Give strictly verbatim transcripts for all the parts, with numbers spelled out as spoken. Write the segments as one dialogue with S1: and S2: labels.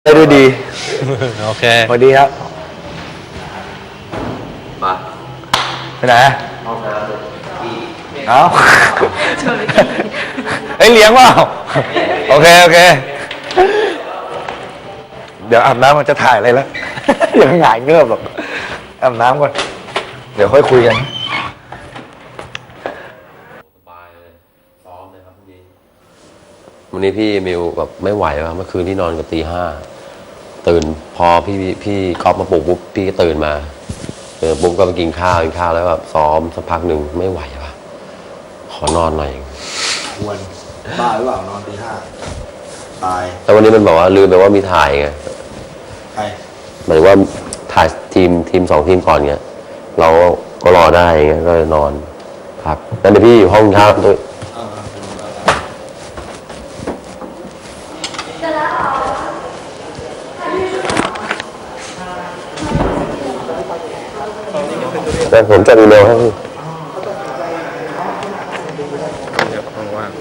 S1: ได้ด้วยดี
S2: โอเค
S1: สวัสดีครับ
S3: มา
S1: ไปไหน
S3: ห้องน้ำ
S1: เอ้าเฮ้ยเลี้ยงเปล่าโอเคโอเคเดี๋ยวอาบน้ำมันจะถ่ายอะไรแล้วยังหงายเงือบหรอกอาบน้ำก่อนเดี๋ยวค่อยคุยกัน
S3: สบายเลยซ้อมเลยครับพรุ่งนี้วันนี้พี่มิวแบบไม่ไหวว่ะเมื่อคืนที่นอนกันตีห้าตื่นพอพี่พี่ก๊อฟมาปลุกปุ๊บพี่ก็ตื่นมาเออปุ๊บก็ไปกินข้าวกินข้าวแล้วแบบซ้อมสักพักหนึ่งไม่ไหวว่ะขอนอนหน่อย
S1: ควรบ้าหรือเปล่านอนตีห้าตาย
S3: แต่วันนี้มันบอกว่าลืมไปว่ามีถ่ายไง
S1: ใคร
S3: หมายถึงว่าถ่ายทีมทีมสองทีมก่อนเงี้ยเราก็รอได้เงี้ยก็เลยนอนพักนั่นเดี๋ยวพี่อยู่ห้องเช้าด้วยแต่ผมจะอีเมลให้พี่
S2: เดี๋ยวว่าง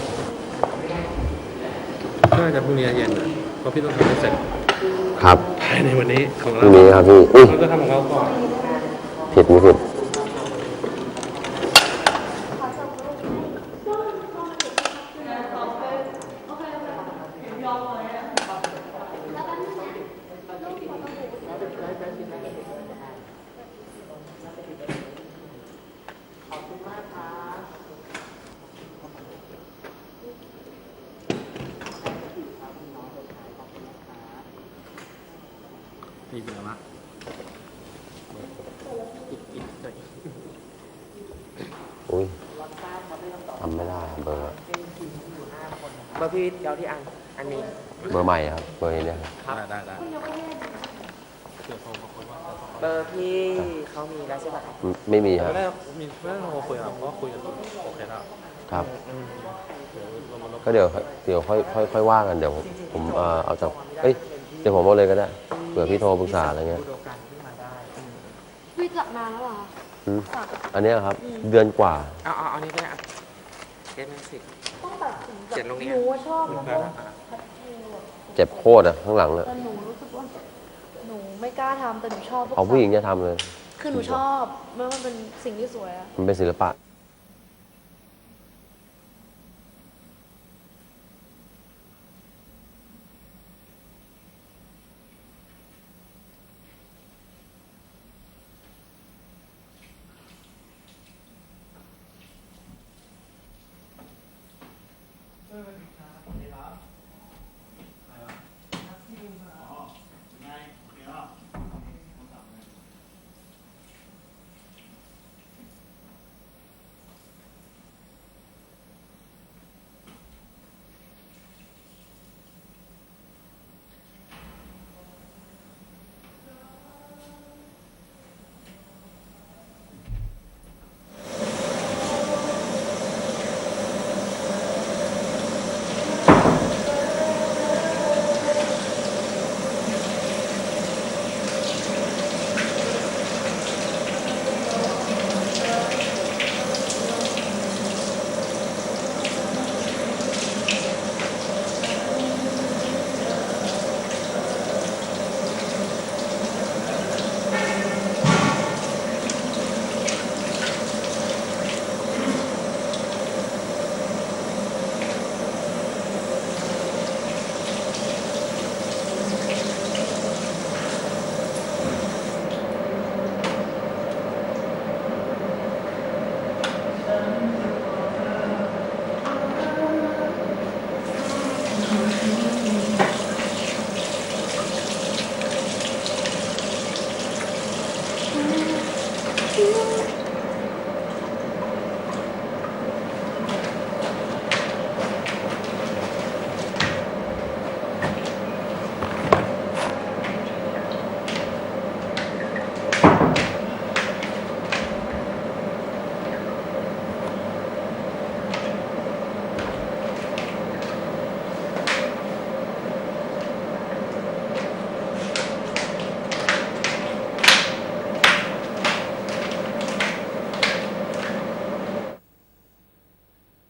S2: น่าจะพรุ่งนี้เย็นนะเพราะพี่ต้องทำให้เสร็จ
S3: ครับ
S2: ภายในวันนี้ของเรา
S3: พรุ่งนี้ครับพี่อุ้ย
S2: ก็ทำของเราก่อน
S3: ผิดไม่ผิด
S2: มีเบอร์ละ
S3: อุ้ยทำไม่ได้เบอร์
S4: เบอร์พี่เดี๋ยวที่อันอันนี้
S3: เบอร์ใหม่ครับเบอร์นี้เนี่ย
S2: ครับได้ได้
S4: เบอร์พี่เขามีแล้วใช่ไหม
S3: ไม่มีครับ
S2: ไม่ได้มีไม่ได้โทรคุยครับเพราะคุยกันโอเคแล้ว
S3: ครับก็เดี๋ยวเดี๋ยวค่อยค่อยค่อยว่ากันเดี๋ยวผมเอ่อเอาจากเอ้ยเดี๋ยวผมเอาเลยก็ได้เผื่อพี่โทรปรึกษาอะไรเงี้ย
S5: พี่จับนานแล้วเหรอ
S3: อันนี้ครับเดือนกว่า
S4: เอาเอาอันนี้ก็ได้เจ็ดสิบ
S5: ต้องตัดสิน
S4: เจ็ดลงนี้
S5: หนูว่าชอบนะ
S3: เจ็บโคตรอ่ะข้างหลังเลย
S5: แต่หนูรู้สึกว่าหนูไม่กล้าทำแต่หนูชอบ
S3: เอาผู้หญิงจะทำเลย
S5: คือหนูชอบเมื่อมันเป็นสิ่งที่สวยอะ
S3: มันเป็นศิลปะ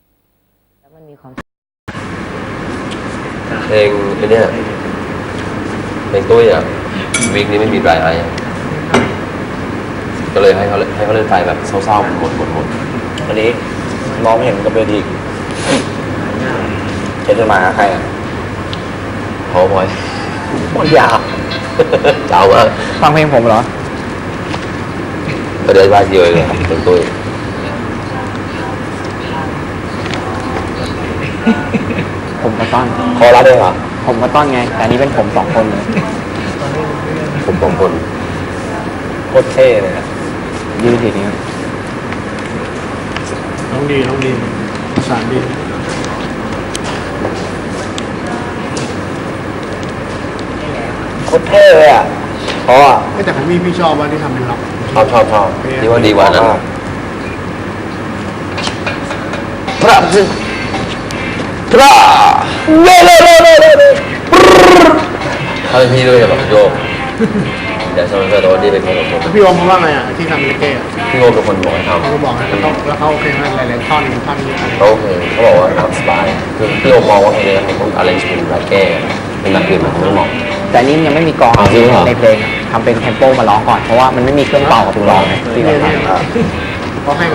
S4: ความ
S3: เพลงไอ้เนี่ยในตุ้ยอ่ะวีคนี้ไม่มีไดรไอซ์ก็เลยให้เขาให้เขาเล่นไฟแบบเศร้าๆหมดหมดหมด
S1: วันนี้มองไม่เห็นกับเวทีเห็นจะมาหาใครอ่ะ
S3: เขาบอย
S1: บอลยาว
S3: เจ้ามาก
S1: ฟังเพลงผมเหรอ
S3: ก็เดินว่าเยอะเลยครับในตุ้ย
S4: ผมกับต้อน
S1: คอรัดเองเหรอ
S4: ผมกับต้อนไง แต่อันนี้เป็นผมสองคนเลย
S3: ผมสองคน
S1: โคตรเท่เลยนะ
S4: ยืนทีนี้
S2: น้องดีน้องดีสารดี
S1: โคตรเท่เลยอ่ะเพราะอ่ะ
S2: แต่ของพี่พี่ชอบว่าที่ทำเป็นล็อก
S3: ชอบชอบชอบนี่ว่าดีกว่านั้นพระจึงพระเล่เล่เล่เล่เล่ถ้าเป็นพี่ด้วยจะแบบโยกเดี๋ยวชอบเพื่อนแต่ว่านี่เป็นคนละคน
S2: แล้วพี่โอมเขาว่าไงอ่ะที่ทำเลเก้อะ
S3: พี่โอมเป็นคนบอกให้ทำ
S2: เขาก็บอกให้เขาแล้วเขาโอเคไหมหลายๆท่อนท่อนนี้อะไร
S3: เขาโอเคเขาบอกว่าทำสบายคือพี่โอมมองว่าเพลงนี้มันต้องอะไรชเป็นไรแก้เป็นแบบอื่นมันไม่เหมาะ
S4: แต่อันนี้ยังไม่มีกลอง
S3: อ๋อจริงเหรอ
S4: ในเพลงอะทำเป็นเทมโปมาร้องก่อน เพราะว่ามันไม่มีเครื่องเป่ากับกลองไงที่เราทำ
S1: อ่ะ
S2: เขาให้มา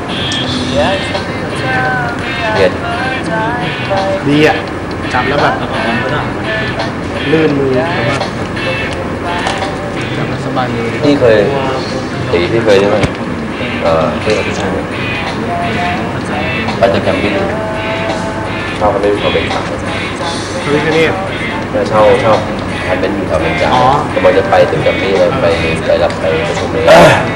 S3: เย็น
S2: ดีอ่ะจับแล้วแบบลื่นมือแบบว่าจับแล้วสบายมือ
S3: พี่เคยตีพี่เคยใช่ไหมเอ่อเพื่อนพี่ชายไปจากแคมปิ้งชอบเขาไม่เขาเป็นสาว
S2: พระวิคเนต
S3: แล้วเช่าเช่าแคมเป็นอยู่แถวเมืองจันท
S2: อ๋อ
S3: ร์กำลังจะไปถึงแคมปิ้งแล้วไปไปรับไปประชุมเลย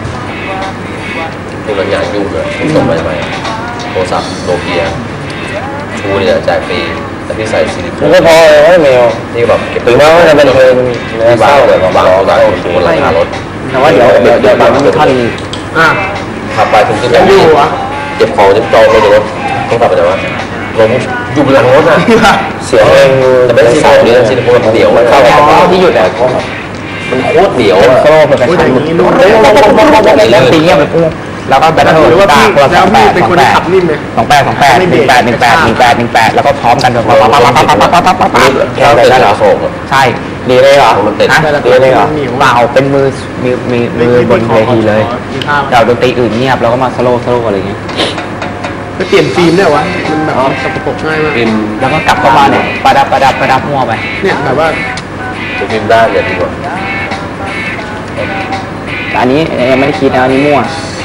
S3: ที่มันงานยุ่งเลยส่งไปใหม่โทรศัพท์โนเกียชูเนี่ยจ่ายฟรีแต่พี่ใส่ซิลิโค
S1: มัน
S3: น
S1: ก็พอเลยไม่เมล
S3: ที่แบบเก็บ
S1: ถึงแม้ว่าจะเป็นเพลงเนื้อ
S3: ที่
S1: เศ
S3: บ้า
S1: ร้าน
S3: เลย
S1: แต่
S3: บาง
S1: ร้อง
S3: ร้าน
S1: ได้
S3: โอ้โหราคารถ
S4: แต่ว่าเดี๋ยวเดี๋ยวเดี๋ยวตอนนี้มีท่อนนี้
S2: อ่ะ
S3: ขับไปถึงที่แค
S2: ยั
S3: ม
S2: งอ
S3: ปิ้ง
S2: ยู่เหรอ
S3: เก็บของจะจองเลยเดี๋ยวรถต้องกลับไปไหนวะลงอยู่บนหลังรถอ่ะ
S1: เสียงเพลง
S3: แต่ไม่ใช่ซิลิโคนนี่ซิลิโคนเดี่ยวมันเข้าไปที่หยุดอ่ะมันโคตรเดี่ยวอ่ะ
S4: โซ่เป็นกระ
S2: โอ้ยแต่
S4: ชั
S2: อน ย่างนี้นุ่ม
S4: แล้วตีเงี้ยบไปปุ๊บแล้วก็แบตเตอร์
S2: หรือว่าพี่
S4: คนละ
S2: แล้
S4: ส
S2: ว
S4: องแป
S2: พี่
S4: ด
S2: เป็น
S4: สอ
S2: คน
S4: งแป
S2: ที่
S4: ด
S2: ขับนิ่มไหม
S4: สองแปดสองแปดหนึ่งแปดหนึ่งแปดหนึ่งแปดหนึ่งแปดแล้วก็พร้อมกันแบบปั๊บปั๊บปั๊บปั๊บปั๊บปั๊บปั๊บปั๊บปั๊บ
S3: แค่เป็นขาโศกอ่ะ
S4: ใช่
S1: ดีเลยเหรอ
S3: มันติด
S4: ฮะ
S1: ดีเลยเหรอ
S4: เปล่าเป็นมือมือมือมือบนเวทีเลย
S2: มีท่า
S4: เดี๋ยวดนตรีอื่นเงียบแล้วก็มาสโลว์สโลว์อะไรอย่างเงี้ย
S2: ไปเปลี่ยนฟิล์มได้วะมันแบบสกปรกง่ายมาก
S3: พิมพ์
S4: แล้วก็กลับเข้ามาเนี่ยประดับประดับประดับมั่วไป
S2: เนี่ยแบบว่า
S3: จะพิมพ์ด้านเนี่ยดีกว่า
S4: แต่อันนี้ยังไม่ได้คิดนะอันนี้มั่ว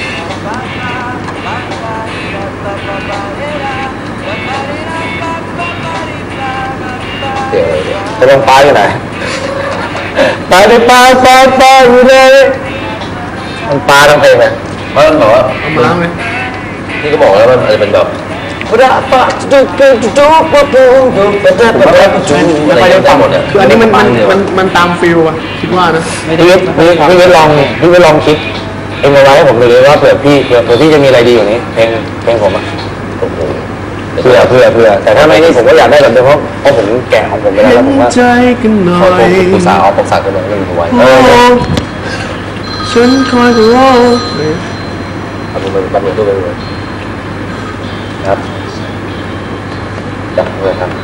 S3: เดี๋ยวเดี๋ยว
S1: จะลงปลาอยู่ไหนปลาในปลาปลาปลาอยู่เลยมันปลาทั้งเพลงเนี่ย
S3: เพราะมันบอกว่า
S2: เอามาล้างเลย
S3: ที่ก็บอกแล้วมันอาจจะเป็นแบบระปะจุกจุกจุกปุ๊บปุ๊บปุ๊บปุ๊บปุ๊บปุ๊บปุ๊บอะไรได้หมดเนี่ย
S2: คืออันนี้มันมันมันมันตามฟิลอะคิดว่านะ
S1: พี่วิทย์พี่พี่วิทย์ลองพี่วิทย์ลองคิดเองเอาไว้ให้ผมดูเลยว่าเผื่อพี่เผื่อเผื่อพี่จะมีอะไรดีกว่านี้เพลงเพลงผมอะ
S3: โอ้โห
S1: เผื่อเผื่อเผื่อแต่ถ้าไม่นี่ผมก็อยากได้แบบเดิมเพราะเพราะผมแกะของผมไปแล้วแล้วผมว่า
S2: ใจกันหน่อ
S3: ขอโท
S2: ย
S3: ษปรึกษาออกปรึกษากันหน่อยเรื่องหัว
S1: เออ
S2: ฉันคอยรอ
S3: ทำมันทำมันด้วยเลยครับจับเลยครับ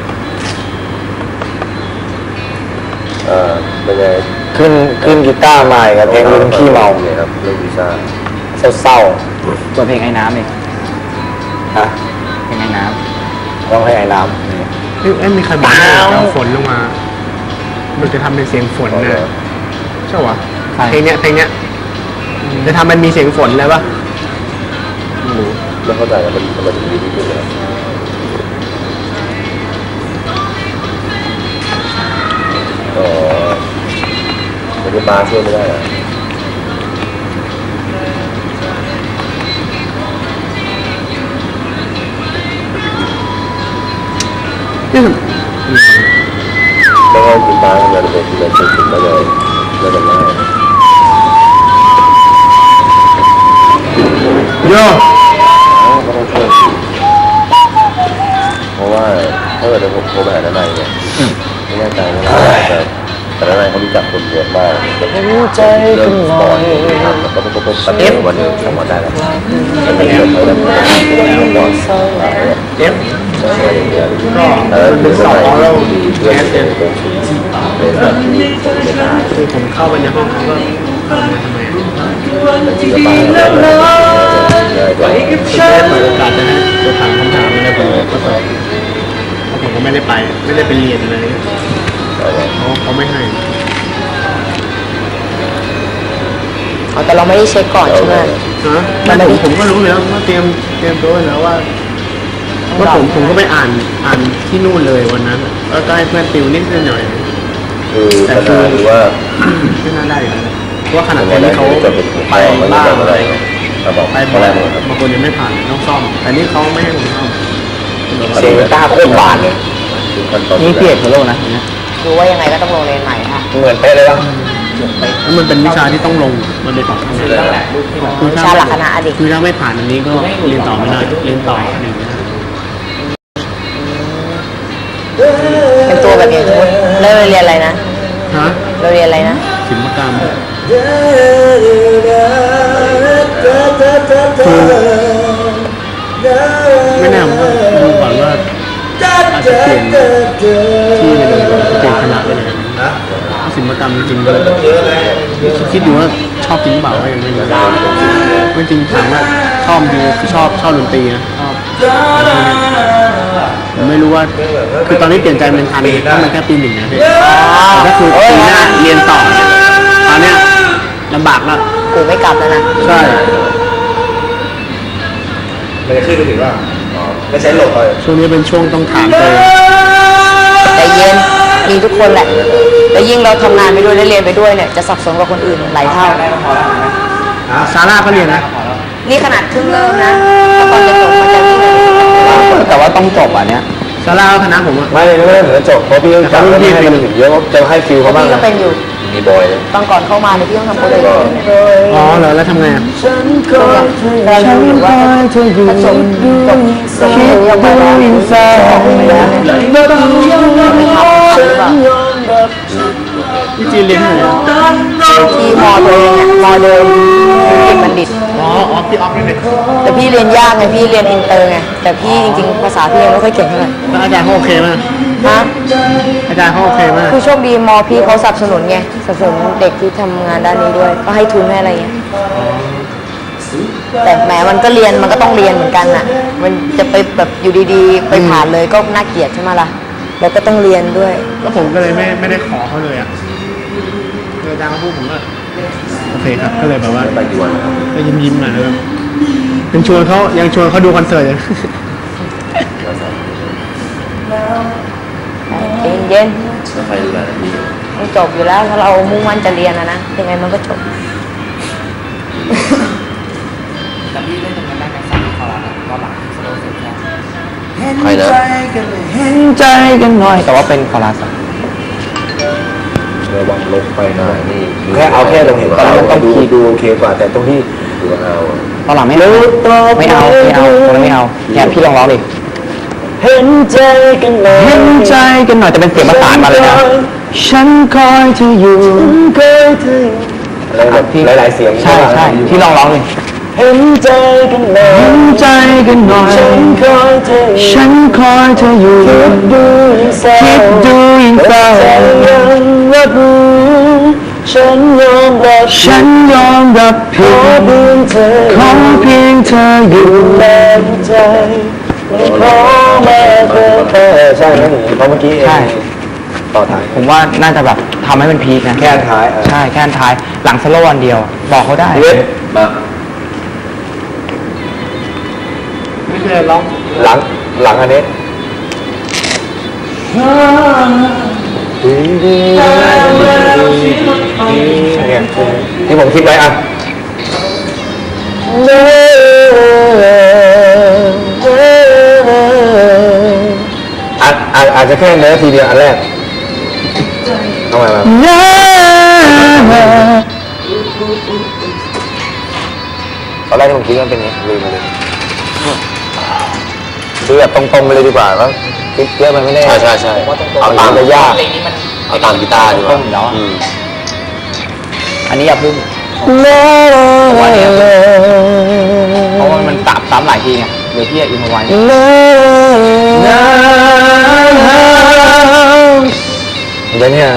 S3: เอ่อเป็นไง
S1: ขึ้นขึ้นกีตาร์มาอีกครับเพลงลืมขี้เมา
S3: เนี่ยครับเรื่องวีซ่า
S1: เศร้า
S4: ตัวเพลงไอ้น้ำเอง
S1: ๆฮะ
S4: เพลงไอ้น้
S1: ร้องให้ไอ้น้
S2: เอ้ยมีใครบอกว่าจะเอาฝนลงมา มันจะทำเป็นเสียงฝนนะใช่ปะเพลงเนี้ยเพลงเนี้ยจะทำมันมีเสียงฝนเลยปะไม่รู้
S3: ไม่เข้าใจว่ามันมันถึงดีที่สุดเลยอ๋อมันจะมาช่วยไม่ได้อะ
S2: เนี่ย
S3: ไม่ให้กินปลาทำงานเป็นเป็นเป็นถึงมาเลยไม่เป็นไร
S2: โย่
S3: ก็ต้องช่วยสิเพราะว่าถ้าเกิดผมโทรไปหาทนายเนี่ยไม่แน่ใจว่าแต่แต่ทนายเขารู้จักคนเยอะมากเริ่มสปอร์ตทำแล้วก็ปุ๊บปุ๊บปุ๊บปุ๊บวันหนึ่งสามวันได้แล้วมันเป็นเรื่องเขาแบบก่อน
S2: เอฟ
S3: ใช่อย่างเงี้ย
S2: ก็
S3: เออ
S2: เป็นสองแล้ว
S3: เพื่อน
S2: แคส
S3: เอ
S2: เนี่ย
S3: งเป็นเป็นแบบนี้ผมไม่ได้
S2: คือผมเข้าไปในห้องเขาก็เออมาทำไมอะ
S3: จะไปแล้วเลยกว่า
S2: คุณได้เปิดโอกาสจะให้จะถามคำถามอะไรผมก็ตอบเพราะผมก็ไม่ได้ไป ไม่ได้ไปเรียนเลยเขาเขาไม่ให้
S6: อ๋อแต่เราไม่ได้เช็คก่อนใช่ไหม
S2: ฮะไม่ผมผมก็รู้แล้วว่าเตรียมเตรียมตัวไว้แล้วว่าว่าผมผมก็ไปอ่านอ่านที่นู่นเลยวันนั้นแล้วก็ให้เพื่อนติวนิดหน่อย
S3: คือขนาดหรือว่า
S2: ไม่น่าได้อยู่แล้วเพราะว่าขนาดคนที่เขาไปบ้างอะไร
S3: เราบอก
S2: ไป
S3: ไป
S2: บ้า
S3: แล้
S2: ง
S3: วครับ
S2: บางคนยังไม่ผ่านต้องซ่อม แต่นี่เขาไม่ให้ผมซ่อม
S4: เซเวต้าโคตรบานเลย นี่พี่เอกโซโล่นะเนี่ย
S6: ดูว่ายังไงก็ต้องลงเรียนใหม่ค่ะ
S1: เหมือนเป๊ะเลยป่ะ
S2: แล้วมันเป็นวิชาที่ต้องลงมันเป็นสองคณะคือ
S6: วิชาหลักคณะอดีต
S2: คือถ้าไม่ผ่านอันนี้ก็เรียนต่อไม่ได้เรียนต่อหนึ่งไม่ได้
S6: เป็นตัวแบบนี้สมมติเราเรียนอะไรนะ
S2: ฮะ
S6: เราเรียนอะไรนะ
S2: ศิลปกรรมไม่แน่ผมก็ดูก่อนว่าอาจจะเปลี่ยนที่ไปเลยเปลี่ยนคณะไปเลยศิลปกรรมจริงๆเลยคิดอยู่ว่าชอบจริงเปล่าก็ยังไม่รู้ไม่จริงถามว่าชอบจริงคือชอบชอบดนตรีนะชอบผมไม่รู้ว่าคือตอนนี้เปลี่ยนใจเป็นทันถ้ามันแค่ปีหนึ่งนะพี่แต่ก็คือปีหน้าเรียนต่อเนี่ยตอนเนี้ยลำบากแล้ว
S6: กูไม่กลับแล้วนะ
S2: ใช่
S1: มันจะขึ้นไปถึงว่าไม่ใช้หลบเลย
S2: ช่วงนี้เป็นช่วงต้องถามตัวเอง
S6: แต่เย็นมีทุกคนแหละแล้วยิ่งเราทำงานไปด้วยและเรียนไปด้วยเนี่ยจะสับสนกว่าคนอื่นหลายเท่า
S2: ซาร่าก็เรียนนะ
S6: นี่ขนาดครึ่งเริ่มนะแต่ตอนจะจบมันจะยิ่ง
S4: แต่ว่าต้องจบอ่ะเนี้ย
S2: ซาร่าก็คณะผมอะ
S1: ไม่ไม่ไม่เหมือนจบเพราะพี่ต้องจับไม่ให้มันถึงเยอะจะให้ฟิลเขาบ้าง
S6: พี่ก็
S1: นะ
S6: เป็นอยู่
S3: มีบอย
S6: ตอนก่อนเข้ามาเนี่ยพี่ต้องทำโปรเจกต์
S2: อ๋อเหรอแล้วทำไงอะ
S6: เราอยู่หรือว่าถ้าจบจบจบคิดออกไปแล้วออกไปแล้วเนี่ยไม่ทำหรือเปล่า
S2: พี่จีนเรียนที่ไหนอะ
S6: ที่มอตัวเองเนี่ยมอเดิมเอกบัณฑิต
S2: อ๋ออ๋อพี่ออฟนี่เลย
S6: แต่พี่เรียนยากไงพี่เรียนอินเตอร์ไงแต่พี่จริงๆภาษาพี่ยังไม่ค่อยเก่งเท่าไหร่
S2: แล้วอาจารย์เขาโอเคไหม
S6: ฮะ
S2: อาจารย์เขาโอเคไหม
S6: คือโชคดีมอพี่เขาสนับสนุนไงสนับสนุนเด็กที่ทำงานด้านนี้ด้วย ก็ให้ทุนให้อะไรเงี้ยแต่แหมมันก็เรียนมันก็ต้องเรียนเหมือนกันน่ะ มันจะไปแบบอยู่ดีๆ ไปผ่านเลยก็น่าเกลียดใช่ไหมล่ะแล้วก็ต้องเรียนด้วย
S2: แล้วผมก็เลยไม่ไม่ได้ขอเขาเลยอะคืออาจารย์เขาพูดผมก็โอเคครับก็เลยแบบว่า
S3: ไปกี่วันนะครับ
S2: ก็ยิ้มยิ้มๆหน่อยเลยยังชวนเขายังชวนเขาดูคอนเสิร์ตอยู่
S6: เย็น
S3: แล้วใครดูแลพี่
S6: ๆมันจบอยู่แล้วถ้าเรามุ่งมั่นจะเรียนนะนะยังไงมันก็จบ
S3: ใครนะ
S4: เห็นใจกันหน่อย แต่ว่าเป็นคอรัสอะ
S1: ระวังลงไปนะ
S3: นี่
S1: แค่เอาแค่ตรงนี้ตอนนั้นต้องดูดูโอเคกว่าแต่ตรงที่
S3: ดูเอา
S4: ตอนหลังไม่เอาไม่เอาไม่เอาตอนนั้นไม่เอาเนี่ยพี่ลองร้องดิ
S1: เห็นใจกันหน่อย
S4: เห็นใจกันหน่อยแต่เป็นเสียงประสานมาเลยนะฉันคอยเธออยู่คอยเธอ
S1: อะไรแบบหลายๆเสียง
S4: ใช่ใช่พี่ลองร้องดิ
S1: เห็นใจกันหน่อย
S4: เห็นใจกันหน่อย
S1: ฉันคอยเธอ
S4: ฉันคอยเธออยู่
S1: คิดดูยิ่งเศร้า
S4: คิดดูยิ่งเศร้า
S1: แต่ยังรับรู้ฉันยอมรับ
S4: ฉันยอมรับ
S1: ข
S4: ผิ
S1: อ
S4: ด
S1: เพียงเธอ
S4: ขอเพียงเธออยู่
S1: แรงใจไม่ขอมาเกินไปใช่ไหมเพราะเมื่อกี้เอง
S4: ใช่
S1: ต่อท้าย
S4: ผมว่าน่าจะแบบทำให้มันพีคนะ
S1: แค่อันท้ายเออ
S4: ใช่แค่อันท้าย หลังสโลว์วันเดียว บอกเขาได้
S1: เว็บ
S3: มา
S2: ไม่เคยร้อง
S1: หลังหลังอันนี้เนี่ยที่ผมคิดไว้อ่ะอาจอาจอาจจะแค่เนื้อทีเดียวอันแรกเอาใหม่มาตอนแรกที่ผมคิดว่าเป็นอย่างนี้ลืมไปเลยคือแบบตรงๆไปเลยดีกว่าแล้วคิดเยอะไปไม่ได้
S3: ใช่ใช่ใช่
S1: เอาตามจะยาก
S3: เอาตามกีตาร์ดีกว่า
S4: ต้มเนาะ
S3: อืม
S4: อันนี้อย่าพึ่งเพราะว่ามันตับซ้ำหลายทีไงเดี๋ยวพี่จะอินเอาไว้
S1: เเดี๋ยวเนี่ย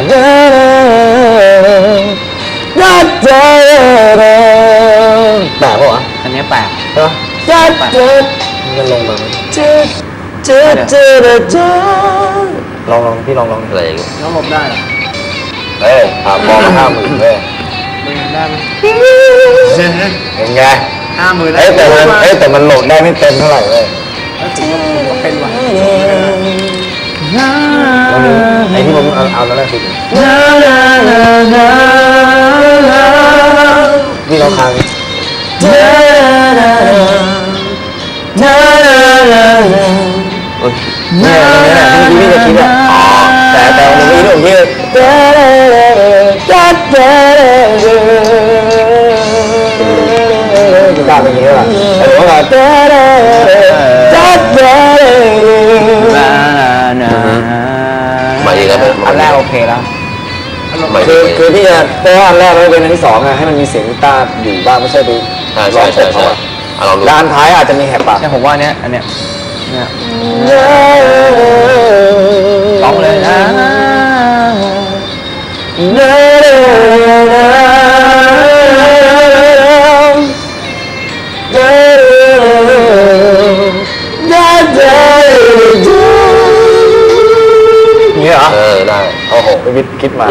S1: แปลกปะวะ
S4: อันนี้แปลก
S1: ใช่ปะจัดจัดมันลงมาจัดจัดจัดจัดลองลองพี่ลองลอง
S3: อะไรอย่างเงี้ย
S2: น้องหลบได้เหรอ
S1: เฮ้ยถามบอลห้าหมื่นเว้ย
S2: ไม่งั้นได้ไหม
S1: เป็นไง
S2: ห้าหมื่น
S1: เอ้ยแต่มันเอ้ยแต่มันโหลดได้ไม่เต็มเท่าไหร่เว้ย
S2: เป็นว่ะ
S1: วันนี้ไอ้ที่ผมเอาเอาแล้วแรกคือพี่เราค้างเนี่ยเนี่ยเนี่ยที่พี่จะคิดอ่ะอ๋อแต่แต่วันนี้เรื่องที่กล้าเป็นอย่างนี้ป่ะแต่หนูว่า
S3: มาอีกแล้ว
S4: อันแรกโอเคแล้ว
S3: มา
S1: คือ
S3: อีก
S1: คือพี่จะแต่ว่าอันแรกแล้วเป็นอันที่สองอะให้มันมีเสียงกีตาร์อยู่บ้างไม่ใช่ไป
S3: ใช่ใช่ใช่ใช่อ่ะลองดู
S1: แล้วอันท้ายอาจจะมีแหบปาก
S4: ใช่ผมว่าอันเนี้ยอันเนี้ยเนี่ยร้องเลยนะ
S1: นี่เหรอ
S3: เออได้
S1: โอ้โหไปวิทคิดมา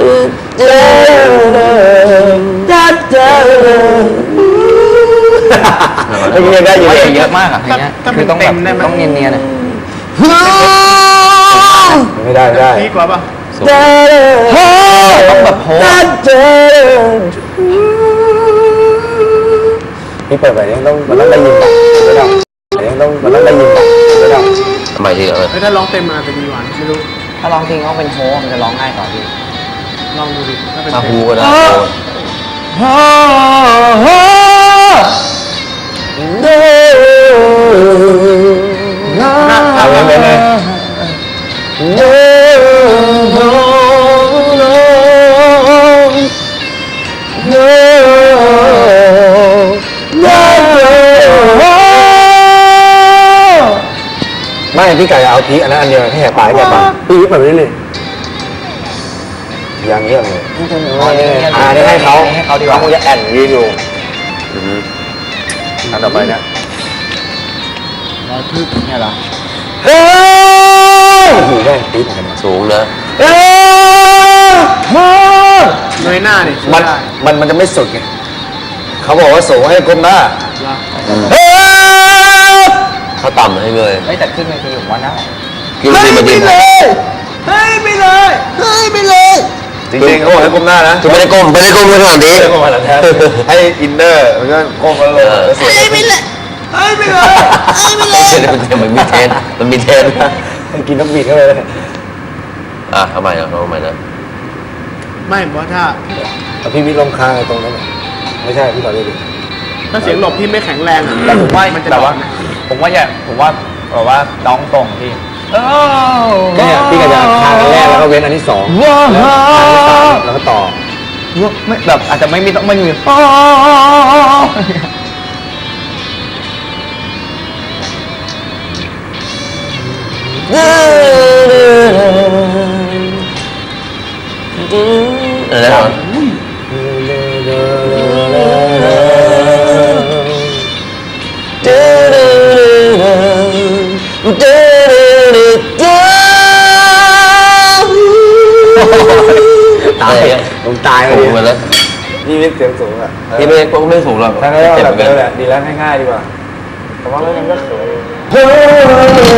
S1: เมื่อกี้ยังได้อยู่
S4: ไม่
S1: เลย
S4: เยอะมากอ่ะเพลงเนี้ยคือต้องแบบต้องเนียนๆนะ
S1: ไม่ได้ไม่ได้
S2: ดีกว่าป่ะ
S4: ต้องแบบโฮ
S1: พี่เปิดไปเนี่ยต้องมันต้องได้ยินแบบไม่ได้เนี่ยต้องมันต้องได้ยินแบบไม่ได้
S3: ทำไมทีเออ
S2: เฮ้ยถ้าร้องเต็มมันอาจจะดีกว่าไม่รู้
S4: ถ้าร้องเพลงต้องเป็นโฮมันจะร้องง่ายกว่าพี่
S2: ลองดูดิถ้าเป็น
S3: ถ้า
S2: เต็
S3: ฮู
S2: ม
S3: ก็ได้
S1: เอาเลยเลย ไม่พี่ไก่เอาพีอันนั้นอันเดียวให้แหกปากให้แหกปากพี่วิทย์แบบนี้เลยอย่างเงี้ยเลยอ่านี่ให้เขา
S4: ให้เขาดีกว่า
S1: เขาคงจะแอนยืนอยู่
S3: อือฮึ
S1: อันต่อไปนะ
S4: ร้อยพึกเนี่ยเหรอ
S1: เฮ้ยโอ้โหแม่งปี๊ดเหมือนกัน
S3: สูงนะ
S1: เฮ้ย
S2: เงยหน้าดิ
S1: มัน
S2: ได้
S1: มันมันจะไม่สุดไงเขาบอกว่าสูงให้ก้มหน้า
S2: เหรอ
S1: เฮ้ย
S3: ถ้าต่ำให้เงย
S4: เฮ้ยแต่ขึ้นเวทีผมว่าได้
S3: กินซีมาดิน
S1: เฮ้ยไปเลยเฮ้ยไปเลยจริงๆเขาบอกให้ก้มหน้านะ
S3: คือไม่ได้ก้มไม่ได้ก้มขนาดนี้
S1: ไม่ได้ก้มขนาดนั้นให้อินเนอร์มันก็ก้มแล้วลงแล้วเสียงไปเลยเฮ้ยไปเลยเฮ้ยไปเลย
S3: เช่นมันมีเทนมันมีเทน
S1: มันกินน้ำบีดเข้าไปเลย
S3: อ่ะทำไมนะทำไมนะ
S2: ไม่เพราะถ้า
S1: เอาพี่วิทย์ลงคางไอ้ตรงนั้นน่ะไม่ใช่พี่ต่อเลยดิ
S2: ถ้าเสียงหลบพี่ไม่แข็งแรงอะ
S4: แต่ผมว่า
S2: มันจะ
S4: แบบว่า
S2: ดรอปนะ
S4: ผมว่าอย่าผมว่าแบบว่าร้องตรงพี่
S1: เนี่ยพี่ก็จะคางอันแรกแล้วก็เว้นอันที่สองแล้วคางที่สามแล้วก็ต่อ
S4: ไม่แบบอาจจะไม่มีต้องไม่มี
S3: อะไรนะตายอ่ะ
S1: ผมตายเล
S3: สู
S1: ย
S3: งไปแล้ว
S1: พี่วิทย์เสียงสูงอ่ะ
S3: พี่ไม่ก็ไม่สูงหรอก
S1: ถ้างั้นก็
S3: เจ็บ
S1: แบ
S3: เหมื
S1: บ
S3: อนกัน
S1: เดิมแหละดีแล้วง่ายๆดีกว่าแต่ว่าไม่งั้นก็เขิน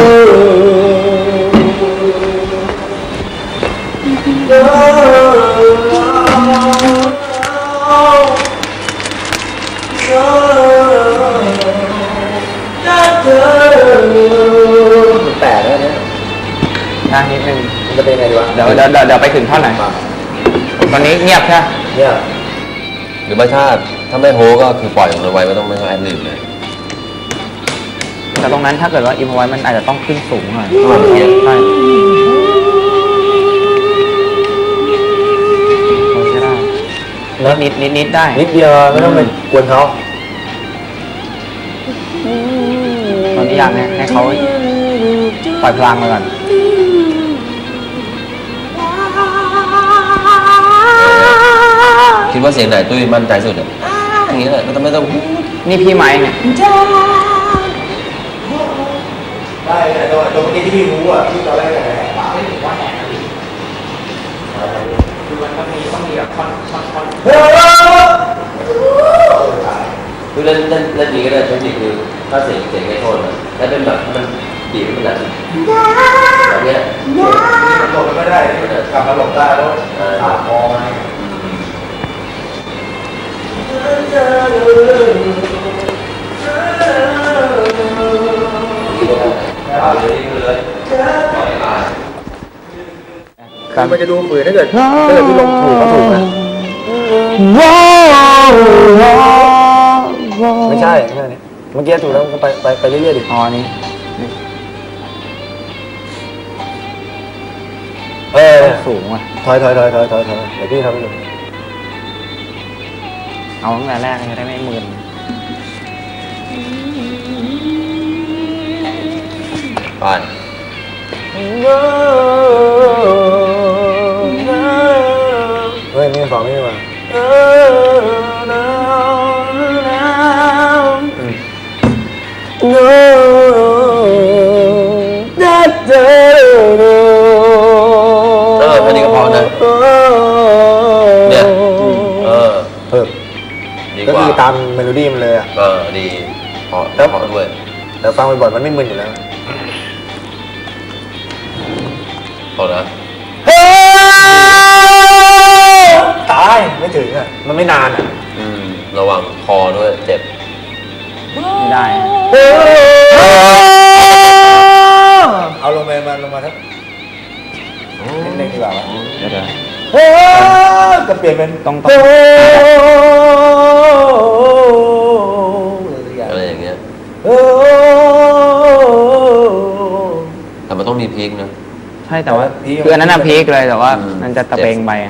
S1: แตกแล้วเนี่ย
S4: นะนิดนึง
S1: มันจะเป็นยังไงดีวะ
S4: เดี๋ยวเดี๋ยวเดี๋ยวเดี๋ยวไปถึงท่อนไหนตอนนี้เงียบใช่ไหม
S1: เนี่ย
S3: หรือไม่ถ้าถ้าไม่โฮก็คือปล่อยมันไว้ไม่ต้องไม่ต้องแอดลิบเลย
S4: แต่ตรงนั้นถ้าเกิดว่าอิมพอไว้มันอาจจะต้องขึ้นสูงหน่อย
S3: อืม
S4: ใช่ใช่ได้นิดนิดนิดได้
S1: นิดเดียวไม่ต้องไปกวนเขา
S4: ตอนนี้อยากให้เขาปล่อยพลังไปก่อน
S3: ว่าเสียงไหนตุ้ยมั่นใจสุดอ่ะอย่างนี้แหละไม่ต้องไม่ต้อง
S4: นี่พี่ไม้เนี่ย
S1: ได้แต่ตัวตัวเมื่อกี้ที่พี่รู้อ่ะที่ตอนแรกแหกปาก
S2: คือมันต้องมีต้องมีแบบคอนคอนคอน
S3: คือเล่นเล่นเล่นนี้ก็ได้เทคนิคคือถ้าเสียงเสียงไม่โทนนะแล้วเป็นแบบมันบีบมันแบบแบบเนี้ย
S1: หลบไม่ได้กลับมาหลบได้แล้วขาดคอมา
S3: เอาเลยเลยปล่อยมา
S1: คือมันจะดูฝืนถ้าเกิดถ้าเกิดพี่ลงถูกก็ถูกนะไม่ใช่ไม่ใช่นี่เมื่อกี้ถูกแล้วก็ไปไปไปเรื่อยๆดิ
S4: อ๋อนี่
S1: เออ
S4: สูงว่ะ
S1: ถอยถอยถอยถอยถอยถอยเดี๋ยวพี่ทำให้ดู
S4: เอาตั้งแต่แรกจะได้ไม่มึน
S3: ไป
S1: เฮ้ยนี่สองนี่มา
S3: เออแค่นี้ก็พอนะเนี่ยเออ
S1: เพิ่ม
S3: ดี
S1: ก็
S3: กว่า
S1: คือตามเมโลดี้มันเลยอ่ะ
S3: เออดีพอแล้วพอด้วย
S1: แต่ฟังบ่อยๆมันไม่มึนอยู่แล้ว
S3: พอนะ
S1: ตายไม่ถึงอ่ะมันไม่นานอ่ะ
S3: อืมระวังคอด้วยเจ็บ
S4: ไม่ได้
S1: เอาลงมามาลงมาครับนิดนึงดีกว่าวะ
S4: เดี๋ยวเดี๋ยว
S1: จะเปลี่ยนเป็น
S4: ต้องต้อง
S3: อะไรอย่างเงี้ยแต่มันต้องมีพีคนะ
S4: ใช่แต่ว่าคืออันนั้นน่ะพีคเลยแต่ว่า
S3: อืม
S4: มันจะตะเบงไปอะ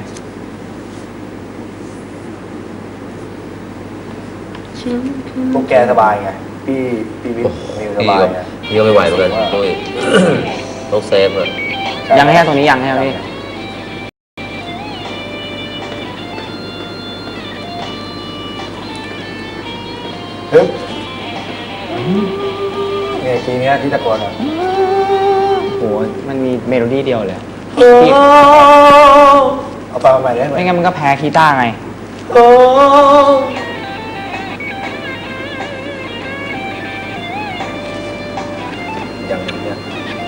S1: พวกแกสบายไงพี่พี่วิทย์มิวส
S3: พี่
S1: บาย
S3: ก็
S1: ไง
S3: พี่ก็ไม่ไหวเหมือนกันตุ้ย ต้องเซฟเลย
S4: ยังแค่ตรงนี้ยังแค่พี่
S1: ฮึบเนี่ยคีย์เนี้ยที่ตะโกนอ่ะ
S4: โหมันมีเมโลดี้เดียวเลย
S1: เอาฟังใหม่ได้ไหม
S4: ไม่งั้นมันก็แพ้คีตาร์ไง
S1: อย่างนี้เนี่ย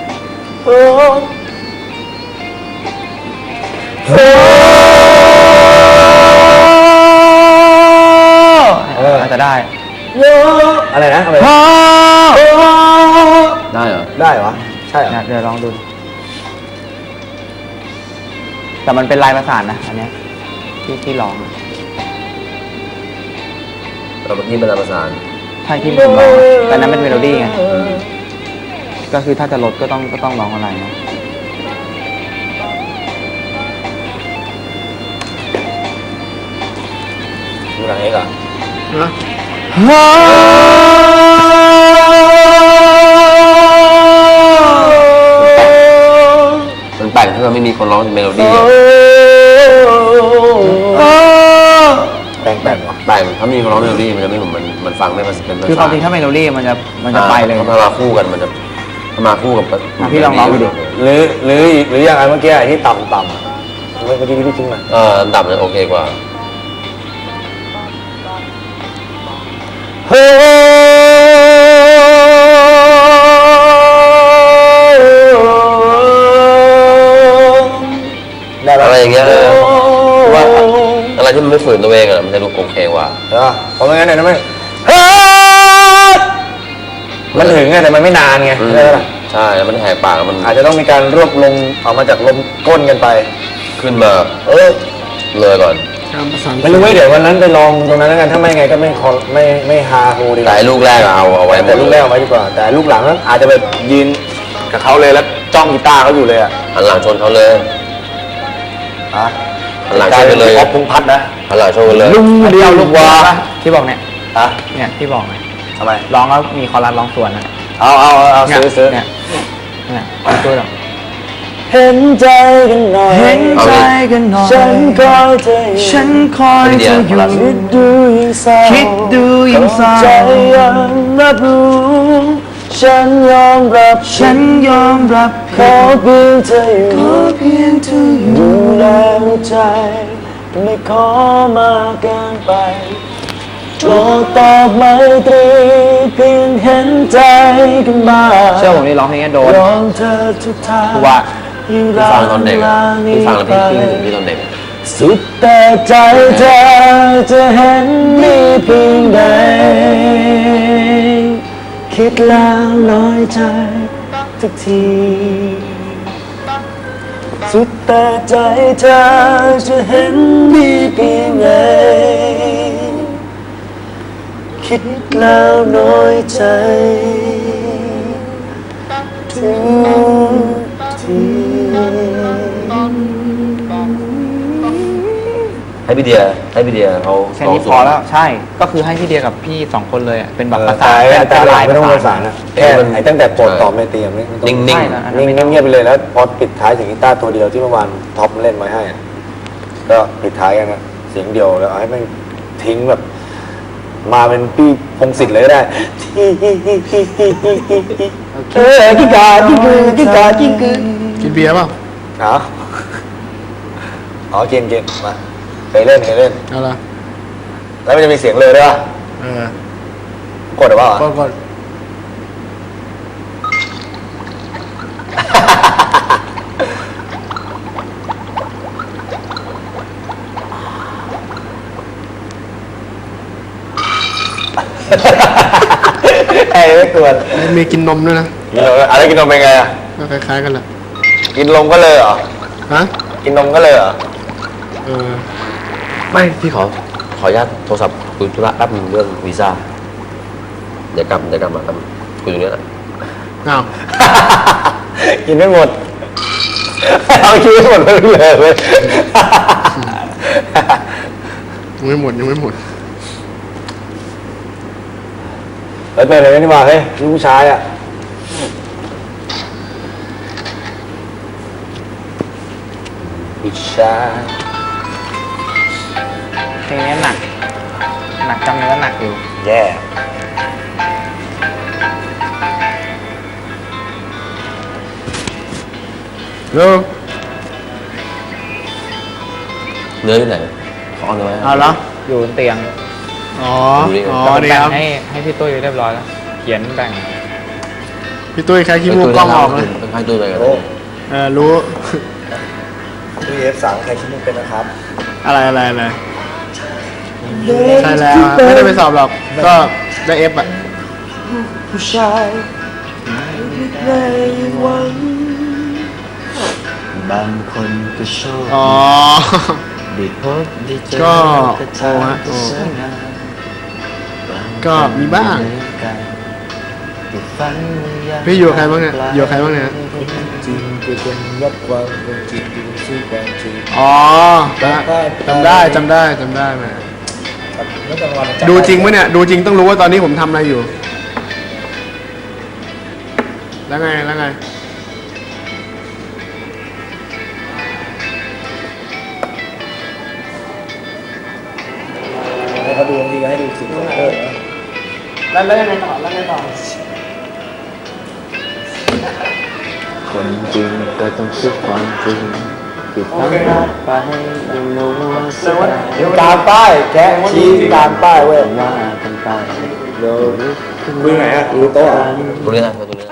S1: เออ
S4: อาจจะได้
S1: อะไรนะอะไรนะ
S3: ได้เหรอ
S1: ได้เหรอใช่เหรอ
S4: เดี๋ยวลองดู แต่มันเป็นลายประสานนะอันเนี้ยที่ที่ร้องอะ
S3: เราเมื่อกี้เป็นประสาน
S4: ใช่ที่ผมร้องอะแต่นั้นเป็นเมโลดี้ไงก็คือถ้าจะลดก็ต้องก็ต้องร้องอะไรนะ
S1: ดูหนังเอกอ่ะ
S2: นะ
S3: มันแต่งที่มันไม่มีคนร้องเมโลดี้อะ
S1: แต่งแต่งวะ
S3: แต่งถ้ามีคนร้องเมโลดี้มันจะไม่เหมือนมันมันฟังไม่เป็นเป็นภาษา
S4: คือความจริงถ้าเมโลดี้มันจะมันจะไปเลย
S3: ถ้ามาคู่กันมันจะถ้ามาคู่กับ
S4: อ่ะพี่ลองร้องดูดิ
S1: หรือหรือหรืออย่างไรเมื่อกี้ที่ต่ำต่ำอะเมื่อกี้ที่ทิ้งมา
S3: เอออันดับเนี่ยโอเคกว่า
S1: เฮ้ได้ปะ
S3: อะไรอย่างเงี้ยเออว่าอะไรที่มันไม่ฝืนตัวเองอะมันจะดูโอเคกว่า
S1: เออเพราะไม่งั้นเนี่ยนะไม่มันถึงไงแต่มันไม่นานไง
S3: อืม
S1: ใช่ปะ
S3: ใช่แล้วมันแหกปากแล้วมัน
S1: อาจจะต้องมีการรวบลงออกมาจากลมก้นกันไป
S3: ขึ้นมา
S1: เออ
S3: เลยก่อน
S2: การประสาน
S1: ไม่รู้ไว้เดี๋ยววันนั้นไปลองตรงนั้นแล้วกันถ้าไม่ไงก็ไม่คอไม่ไม่ฮาโฮดีก
S3: แต่
S1: ว่า
S3: ไอ้ลูกแรกอะเอาเอาไว้หม
S1: แต่
S3: ด
S1: ลูกแรกเอาไว้ดีกว่า แต่ลูกหลังนั้นอาจจะแบบยืนกับเขาเลยแล้วจ้องกีตาร์เขาอยู่เลยอ่ะ
S3: หันหลังชนเขาเลย
S1: ฮะ
S3: หันหลังชนไปเลย
S1: พอพุงพัดนะ
S3: หันหลังชนไปเลย
S4: ลุงเดียวลูกวาที่บอกเนี่ย
S1: ฮะ
S4: เนี่ยที่บอกไง
S1: ทำไม
S4: ร้องแล้วมีคอรัสร้องสวนนะ
S1: เอาเอาเอาเอา
S4: เนี่ย
S1: ซื้อซื้อ
S4: เนี่ยเนี่ยเอาช่วยหรอ
S1: เห็นใจกันหน่อย
S6: เห็นใจกันหน่อย
S1: ฉันคอยเธออยู่
S6: ฉันคอยเธออยู่
S1: คิดดูยิ่งเศร้า
S6: คิดดูยิ่งเศร้า
S1: ใจยังรับรู้ฉันยอมรับ
S6: ฉันยอมรับ
S1: ขอเพียงเธออยู่
S6: ขอเพียงเธออยู่
S1: ดูแลหัวใจไม่ขอมากเกินไปโปรดตอบไมตรีเพียงเห็นใจกันบ้าง
S4: เชื่อผมนี่ร้องเพลงนี้โดน
S1: ยอมเธอทุกทาง
S4: ว่า
S1: ยิ่ง
S3: พี่
S1: รั
S3: ฟัง
S1: ก
S3: ตอนเด็ก
S1: ลา
S3: อะ
S1: นี้
S3: พี่ฟังแล้ว
S1: ไป
S3: พี่คิดถึงพี่ตอนเด็กอะ
S1: สุดแต่ใจเธอจะเห็นมีเพียงใดคิดแล้วน้อยใจทุกทีสุดแต่ใจเธอจะเห็นมีเพียงใดคิดแล้วน้อยใจทุกที
S3: ให้พี่เดียให้พี่เดียเขา
S4: แค่นี้พอแล้วใช่ ก็คือให้พี่เดียกับพี่สองคนเลยอะเป็นแบบประ
S1: ตา
S4: สาน
S1: ย
S4: เป็น
S1: ตาย
S4: ลาย
S1: ไม่ต้อง
S4: ป
S1: ประ
S4: ระ
S1: สา
S4: สาน น
S1: นะแค่ไอ้ตั้งแต่โปรดตอบไม่เตรียมนี่
S3: นิ่ง
S4: ใช่
S3: ๆ
S4: นะ
S1: นิ่งๆเงียบๆไปเลยแล้วพอปิดท้ายถึงกีตาร์ตัวเดียวที่เมื่อวานท็อปเล่นไว้ให้อะก็ปิดท้ายกันนะเสียงเดียวแล้วเอาให้มันทิ้งแบบ มาเป็นพี่พงศิษฐ์เลยก็ได้เออกิกากิกือกิกากิกือ
S2: กินเบียร์เปล่า
S1: เอาอ๋อเกมเกมมาเคยเล่นเคยเล่น
S2: เอาละ
S1: แล้วมันจะมีเสียงเลยด้วยป่ะ
S2: เออก
S1: ดหรือเปล่า
S2: ก็ก็
S1: ไอ้ไม่ควร
S2: มีกินนมด้วยนะ
S1: กินนมอะไรกินนมเป็นไงอ่ะ
S2: ก็คล้ายๆกันแหละ
S1: กินนมก็เลยเหรอ
S2: ฮะ
S1: กินนมก็เลยเหรอ
S2: เออ
S3: ไม่พี่ขอขออนุญาตโทรศัพท์คุยธุระแป๊บนึงเรื่องวีซ่าเดี๋ยวกลับเดี๋ยวกลับมาครับคุยตรงนี้แหละ
S2: อ้าว
S1: กินไม่หมด เอากินไม่หมดเลยเลย
S2: ยังไม่หมดยังไม่หมด
S1: เฮ้ยเป็นอะไรกันนี่มาเฮ้ยลูกผู้ชายอ่ะผู้ชาย
S4: เพลงนี้หนัก หนักจำเนื้อหนักอยู่
S1: แย่
S2: เร็ว
S3: เนื้ออยู่ไหนขอเอาเนื้อไว้
S4: เอาแล้วอยู่บนเตียง
S2: อ๋อ
S3: ดูดิ
S2: อ๋อ
S4: แต่ผม
S2: นี่
S4: แบ่
S2: ค
S4: ง
S2: รับ
S4: ให้ให้พี่ตุ้ยเรียบร้อยแล้ว เขียนแบ่ง
S2: พี่ตุ้ยใครขี้มูกกล้องออกเลย
S3: ให้ตุ้ยไปกัน
S1: โอ้
S2: เออรู้
S1: พี่เอฟสามใครชิ้นนึงเป็นนะครับ
S2: อะไรอะไรอะไรใช่แล้วอะไม่ได้ไปสอบหรอก ก็ได้เอฟอ่ะ
S1: ผู้ชายในวันบางคนก็ชอบ
S2: อ๋อ
S1: ได้พบได้เจอ
S2: ก็
S1: แต่
S2: โอ้ฮะโอ้
S1: สวยงาม
S2: ก็มีบ้าง
S1: ที่ฝันว่า
S2: พี่อยู่กับใครบ้างเนี่ยอยู่กับใครบ้างเนี่ย
S1: จริงก็ยังรับความเป็นจริงที่สู้ความจริง
S2: อ๋อจำได้จำได้จำได้แหม
S1: เมื่อกลางวัน
S2: ดูจริงไหมเนี่ย ดูจริงต้องรู้ว่าตอนนี้ผมทำอะไรอยู่ แล้วไง แล้วไง
S1: ให้เขาดูดีให้ดูสิเออ
S2: แล้วแล้วยังไงต่อ แล้วไงต่อ
S1: คนจริงก็ต้องสู้ความจริงที่ทำรักไปยังรู้ว่าเสียการป้ายแกชี้การป้ายเว้ยว่ากันไปโลกมือไหนอ่ะมือโต๊ะ
S3: ตรงนี้นะตรงนี้นะ